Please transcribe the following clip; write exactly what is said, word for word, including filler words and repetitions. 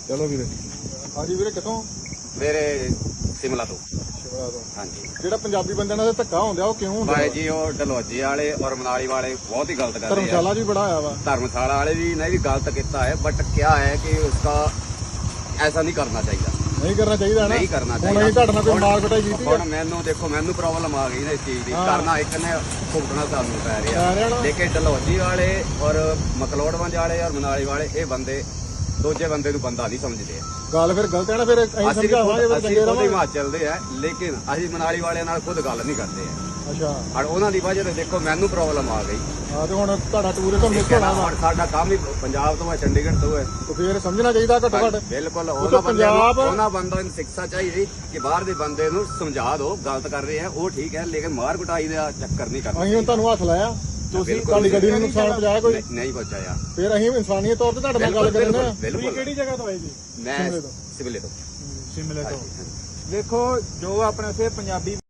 ਚਲੋ ਵੀਰੇ। ਹਾਂਜੀ ਵੀਰੇ ਕਿੱਥੋਂ? ਮੇਰੇ ਸਿਮਲਾ ਤੋਂ। ਸ਼ਿਮਲਾ ਤੋਂ। ਹਾਂਜੀ। ਜਿਹੜਾ ਪੰਜਾਬੀ ਬੰਦਿਆਂ ਨਾਲ ਧੱਕਾ ਹੁੰਦਾ ਉਹ ਕਿਉਂ ਹੁੰਦਾ? ਭਾਈ ਜੀ ਉਹ ਡਲਹੌਜੀ ਵਾਲੇ ਔਰ ਮਨਾਲੀ ਵਾਲੇ बहुत ही गलत कर रहे हैं। ਧਰਮਸ਼ਾਲਾ ਵੀ ਬੜਾ ਆਇਆ ਵਾ। धर्मशाला वाले भी ने भी गलत किया है, बट क्या है कि उसका ऐसा नहीं करना चाहिए। नहीं करना चाहिए ना। नहीं करना ਹੁਣ ਅਸੀਂ ਤੁਹਾਡੇ ਨਾਲ ਕੋਈ ਮਾਰ ਕੁਟਾਈ ਕੀਤੀ ਹੁਣ ਮੈਨੂੰ ਦੇਖੋ ਮੈਨੂੰ ਪ੍ਰੋਬਲਮ ਆ ਗਈ ਨਾ ਇਸ ਚੀਜ਼ ਦੀ। ਕਰਨਾ ਇੱਕ ਨੇ ਭੁਗਤਣਾ ਸਾਨੂੰ ਪੈ ਪੈ ਰਿਹਾ ਰਿਹਾ। ਨਾ। ਲੇਕਿਨ ਡਲਹੌਜੀ ਵਾਲੇ ਔਰ ਮਕਲੋੜਵੰਜ ਵਾਲੇ ਔਰ ਮਨਾਲੀ ਵਾਲੇ ਇਹ ਬੰਦੇ ਦੂਜੇ ਬੰਦੇ ਨੂੰ ਬੰਦਾ ਨਹੀਂ ਸਮਝਦੇ। ਗੱਲ ਫਿਰ ਗਲਤ ਹੈ ਨਾ। ਫਿਰ ਅਸੀਂ ਅਸੀਂ ਸਮਝਾਵਾਂਗੇ ਫਿਰ ਅਸੀਂ ਚੰਗੇ ਖੁਦ ਰਹਾਂਗੇ। ਹਿਮਾਚਲ ਦੇ ਆ, ਲੇਕਿਨ ਅਸੀਂ ਮਨਾਲੀ ਵਾਲਿਆਂ ਨਾਲ ਖੁਦ ਗੱਲ ਨਹੀਂ ਕਰਦੇ ਆ। ਅੱਛਾ। ਔਰ ਉਹਨਾਂ ਦੀ ਵਜ੍ਹਾ ਤੇ ਦੇਖੋ ਮੈਨੂੰ ਪ੍ਰੋਬਲਮ ਆ ਗਈ। ਹਾਂ ਤੇ ਹੁਣ ਤੁਹਾਡਾ ਟੂਰਿਜ਼ਮ ਮਿਸ ਹੋਣਾ ਵਾ। ਹੁਣ ਸਾਡਾ ਕੰਮ ਹੀ ਪੰਜਾਬ ਤੋਂ ਹੈ, ਚੰਡੀਗੜ੍ਹ ਤੋਂ ਹੈ। ਤੇ ਫਿਰ ਸਮਝਣਾ ਚਾਹੀਦਾ ਘੱਟੋ ਘੱਟ। ਬਿਲਕੁਲ ਉਹ ਉਹਨਾਂ ਬੰਦਿਆਂ ਨੂੰ ਪੰਜਾਬ ਉਹਨਾਂ ਬੰਦਿਆਂ ਨੂੰ ਸਿੱਖਿਆ ਚਾਹੀਦੀ ਕਿ ਬਾਹਰ ਦੇ ਬੰਦੇ ਨੂੰ ਸਮਝਾ ਦਿਓ ਗਲਤ ਕਰ ਰਹੇ ਆ ਉਹ ਠੀਕ ਹੈ, ਲੇਕਿਨ ਮਾਰ ਕੁਟਾਈ ਦਾ ਚੱਕਰ ਨਹੀਂ ਕਰਨਾ। ਅਸੀਂ ਹੁਣ ਤੁਹਾਨੂੰ ਹੱਥ ਲਾਇਆ, ਤੁਸੀਂ ਬਿਲਕੁਲ ਤੁਹਾਡੀ ਗੱਡੀ ਨੂੰ ਨੁਕਸਾਨ ਪਹੁੰਚਾਇਆ ਕੋਈ? ਨਹੀਂ- ਨਹੀਂ ਪਹੁੰਚਾਇਆ। ਫਿਰ ਅਸੀਂ ਇਨਸਾਨੀਅਤ ਤੌਰ ਤੇ ਤੁਹਾਡੇ ਨਾਲ ਗੱਲ ਕਰਦੇ ਹਾਂ। ਬਿਲਕੁਲ। ਕਿਹੜੀ ਜਗ੍ਹਾ ਤੋਂ ਆਏ ਜੀ? ਮੈਂ ਸ਼ਿਮਲੇ ਤੋਂ। ਸਿਵਲੇ ਤੋਂ। ਸ਼ਿਮਲੇ ਤੋਂ। ਦੇਖੋ ਜੋ ਆਪਣੇ ਉੱਥੇ ਪੰਜਾਬੀ